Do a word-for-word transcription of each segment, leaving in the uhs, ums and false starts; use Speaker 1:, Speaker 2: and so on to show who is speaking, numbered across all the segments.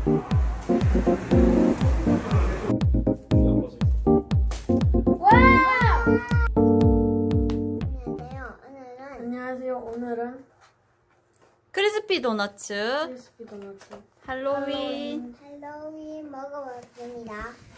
Speaker 1: 안녕하세요. 오늘은
Speaker 2: 안녕하세요. 오늘은
Speaker 3: 크리스피 도너츠
Speaker 2: 크리스피 도넛
Speaker 3: 할로윈.
Speaker 1: 할로윈 먹어봤습니다.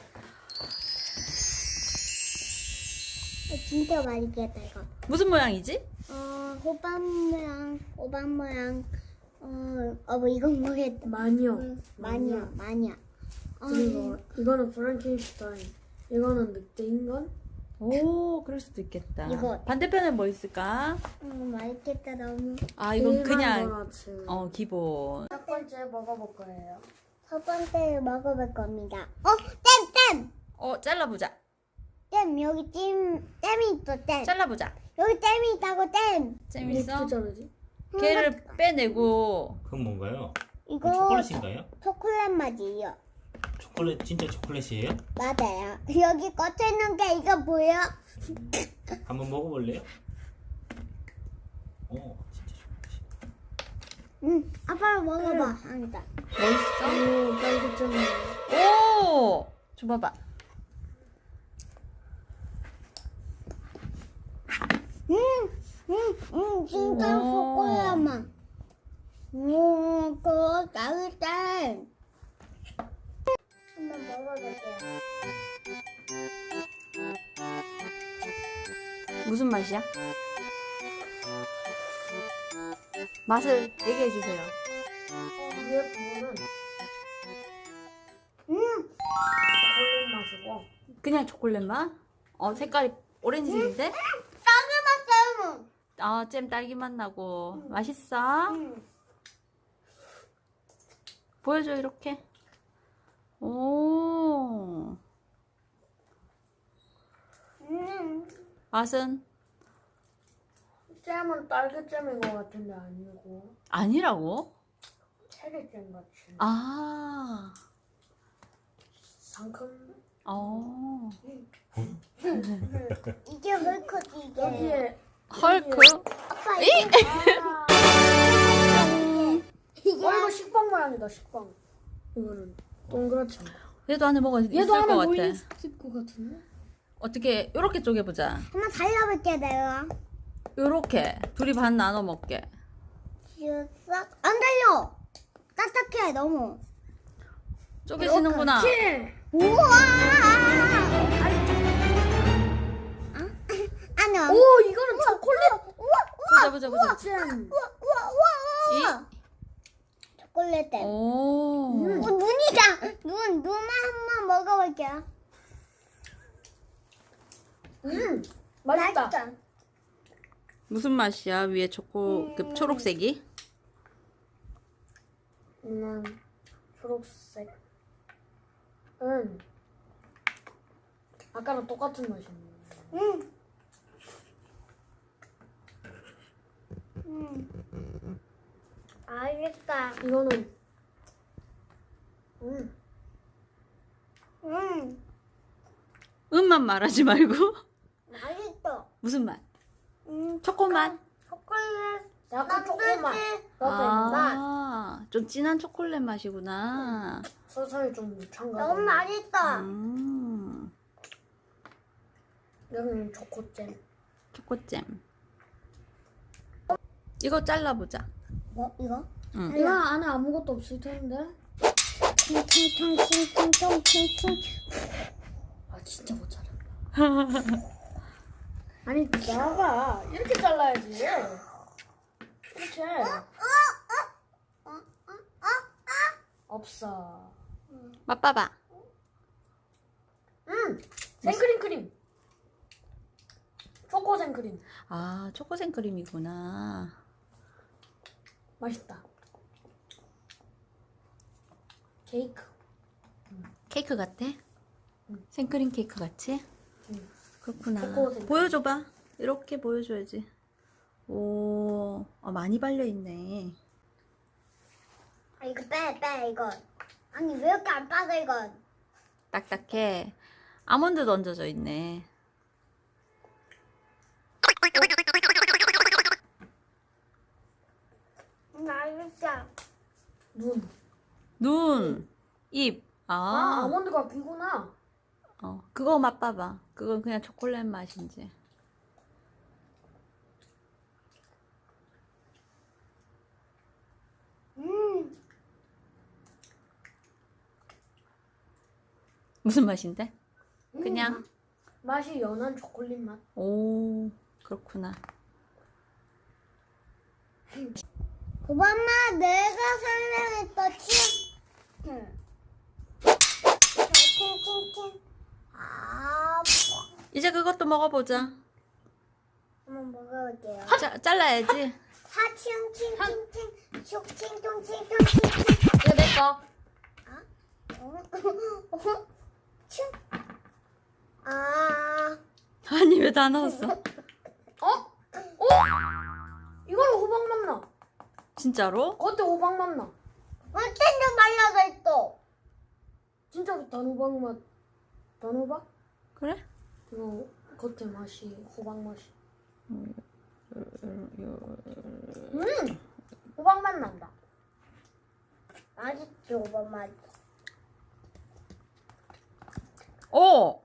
Speaker 1: 어, 진짜 맛있겠다 이거.
Speaker 3: 무슨 모양이지?
Speaker 1: 어 호박 모양, 호박 모양. 어, 어 뭐 이건 뭐겠다.
Speaker 2: 마녀.
Speaker 1: 음, 마녀, 마녀. 어,
Speaker 2: 그리고 이거는 프랑켄슈타인. 이거는 늑대인간.
Speaker 3: 오, 그럴 수도 있겠다.
Speaker 1: 이거.
Speaker 3: 반대편에 뭐 있을까?
Speaker 1: 음, 맛있겠다 너무.
Speaker 3: 아, 이건
Speaker 2: 일반
Speaker 3: 그냥
Speaker 2: 도넛.
Speaker 3: 어 기본.
Speaker 2: 첫 번째 먹어볼 거예요.
Speaker 1: 첫 번째 먹어볼 겁니다. 어, 잼, 잼,
Speaker 3: 어, 잘라보자.
Speaker 1: 잼 여기 잼, 잼이 있어 잼.
Speaker 3: 잘라보자.
Speaker 1: 여기 잼이 있다고 잼.
Speaker 3: 재밌어?
Speaker 2: 어떻게 자르지?
Speaker 3: 걔를 빼내고.
Speaker 4: 그건 뭔가요?
Speaker 1: 이거
Speaker 4: 그건 초콜릿인가요?
Speaker 1: 초콜릿 맛이에요.
Speaker 4: 초콜릿 진짜 초콜릿이에요?
Speaker 1: 맞아요. 여기 꽂혀 있는 게 이거 보여?
Speaker 4: 한번 먹어볼래요? 오 진짜 초콜릿.
Speaker 1: 응, 아빠 먹어봐. 한다.
Speaker 3: 멋있어?
Speaker 2: 오, 딸기잼.
Speaker 3: 오, 줘봐봐.
Speaker 1: 응, 응, 응, 진짜
Speaker 3: 오.
Speaker 1: 초콜릿 맛. 음, 그거 맛있다. 한번 먹어볼게요.
Speaker 3: 무슨 맛이야? 맛을 얘기해 주세요.
Speaker 2: 위에 부분은
Speaker 1: 음,
Speaker 2: 초콜릿 맛이고
Speaker 3: 그냥 초콜릿 맛? 어, 색깔이 오렌지인데?
Speaker 1: 딸기 맛 잼.
Speaker 3: 아, 잼 딸기 맛 나고. 맛있어?
Speaker 1: 응.
Speaker 3: 보여줘, 이렇게. 오,
Speaker 1: 음,
Speaker 3: 맛은?
Speaker 2: 잼은 딸기잼인 것 같은데 아니고
Speaker 3: 아니라고?
Speaker 2: 체리잼 같이
Speaker 3: 아,
Speaker 2: 상큼.
Speaker 3: 어.
Speaker 1: 이게 왜 커지 이게?
Speaker 2: 여기에
Speaker 3: 헐크?
Speaker 1: 아빠 이게
Speaker 2: 아,
Speaker 1: 이게
Speaker 2: 어 이거 식빵 모양이다 식빵. 이거는 동그랗지 않고.
Speaker 3: 얘도 안에 뭐가 있을
Speaker 2: 얘도
Speaker 3: 것
Speaker 2: 안에
Speaker 3: 같아.
Speaker 2: 뭐 있을 것 같은데?
Speaker 3: 어떻게, 요렇게 쪼개보자.
Speaker 1: 한번 달려볼게 내가.
Speaker 3: 요렇게. 둘이 반 나눠 먹게.
Speaker 1: 쓱. 안 달려. 딱딱해 너무.
Speaker 3: 쪼개지는구나.
Speaker 2: 이렇게.
Speaker 1: 우와. 아? 아니.
Speaker 2: 오 이거는 초콜릿
Speaker 1: 우와 우와
Speaker 3: 보자, 보자, 보자.
Speaker 2: 잼.
Speaker 1: 우와 우와 우와 우와. 초콜릿 잼.
Speaker 3: 오.
Speaker 1: 어, 눈이다. 눈 눈만 한번 먹어볼게요.
Speaker 2: 음 맛있다.
Speaker 3: 무슨 맛이야? 위에 초코, 그 초록색이?
Speaker 2: 음 초록색. 음 아까랑 똑같은 맛이네.
Speaker 1: 음. 음. 알겠다.
Speaker 2: 이거는 음
Speaker 1: 음.
Speaker 3: 음만 말하지 말고.
Speaker 1: 맛있어.
Speaker 3: 무슨 맛?
Speaker 1: 음.
Speaker 3: 초코 맛?
Speaker 1: 초콜릿.
Speaker 2: 약간 초코맛.
Speaker 1: 맛.
Speaker 2: 너무 맛.
Speaker 3: 아, 좀 진한 초콜릿 맛이구나.
Speaker 2: 서서히 좀 첨가.
Speaker 1: 너무 맛있다.
Speaker 3: 음,
Speaker 2: 여기는 초코잼.
Speaker 3: 초코잼. 이거 잘라보자.
Speaker 1: 뭐 이거?
Speaker 3: 응.
Speaker 2: 이거 안에 아무것도 없을 텐데.
Speaker 1: 퉁퉁퉁퉁퉁퉁퉁.
Speaker 2: 아 진짜 못 자른다. 아니 나가 이렇게 잘라야지. 이렇게. 없어.
Speaker 3: 맛봐봐.
Speaker 2: 음 생크림 크림. 초코 생크림.
Speaker 3: 아, 초코 생크림이구나.
Speaker 2: 맛있다. 케이크.
Speaker 3: 케이크 같아?
Speaker 2: 응.
Speaker 3: 생크림 케이크 같이?
Speaker 2: 응.
Speaker 3: 그렇구나.
Speaker 2: 초코 생크림.
Speaker 3: 보여줘봐. 이렇게 보여줘야지. 오, 어, 많이 발려있네.
Speaker 1: 아 이거 빼 빼 이거. 아니 왜 이렇게 안 빠져 이건?
Speaker 3: 딱딱해. 아몬드도 얹어져 있네.
Speaker 1: 맛있다.
Speaker 2: 눈.
Speaker 3: 눈. 입.
Speaker 2: 아,
Speaker 3: 아,
Speaker 2: 아몬드가 귀구나.
Speaker 3: 어, 그거 맛봐봐. 그건 그냥 초콜릿 맛인지.
Speaker 1: 음,
Speaker 3: 무슨 맛인데? 그냥.
Speaker 2: 맛이 연한 초콜릿 맛.
Speaker 3: 오, 그렇구나.
Speaker 1: 오바마 내가 설명했던 치. 응. 팅팅팅. 아,
Speaker 3: 이제 그것도 먹어보자.
Speaker 1: 한번 먹어볼게요.
Speaker 3: 자, 잘라야지.
Speaker 1: 하칭칭칭칭 슉칭통칭통칭.
Speaker 2: 이거 내 거.
Speaker 1: 어? 어? 춤. 아,
Speaker 3: 아니, 왜 다 넣었어?
Speaker 2: 어? 어? 이걸로 호박 맛 나.
Speaker 3: 진짜로?
Speaker 2: 겉에 호박 맛 나.
Speaker 1: 어쩐지 말라져 있어.
Speaker 2: 진짜로 단호박 맛. 단호박?
Speaker 3: 그래?
Speaker 2: 이거 겉에 맛이 호박 맛이. 음, 호박 맛 난다.
Speaker 1: 맛있지 오바마.
Speaker 3: 오!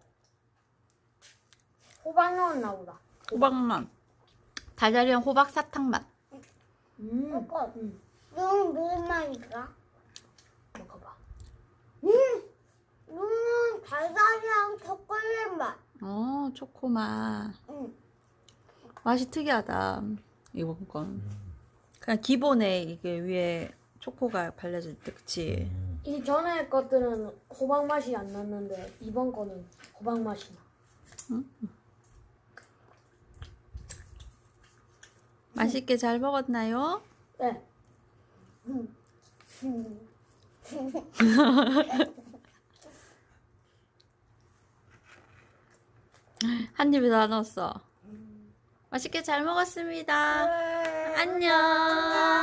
Speaker 2: 호박 넣었나 보다.
Speaker 3: 호박맛. 달달이랑 호박 사탕 맛.
Speaker 2: 음,
Speaker 1: 먹어.
Speaker 2: 음,
Speaker 1: 눈 무슨 맛일까?
Speaker 2: 먹어봐.
Speaker 1: 음, 눈은 달달이랑 초콜릿 맛.
Speaker 3: 어, 초코 맛.
Speaker 1: 응.
Speaker 3: 맛이 특이하다. 이번 건. 그냥 기본에 이게 위에 초코가 발려져 있대, 그치?
Speaker 4: 음.
Speaker 2: 이 전에 것들은 호박 맛이 안 났는데 이번 거는 호박 맛이 나.
Speaker 3: 맛있게 잘 먹었나요?
Speaker 2: 네.
Speaker 3: 한 입에 다 넣었어. 맛있게 잘 먹었습니다. 안녕.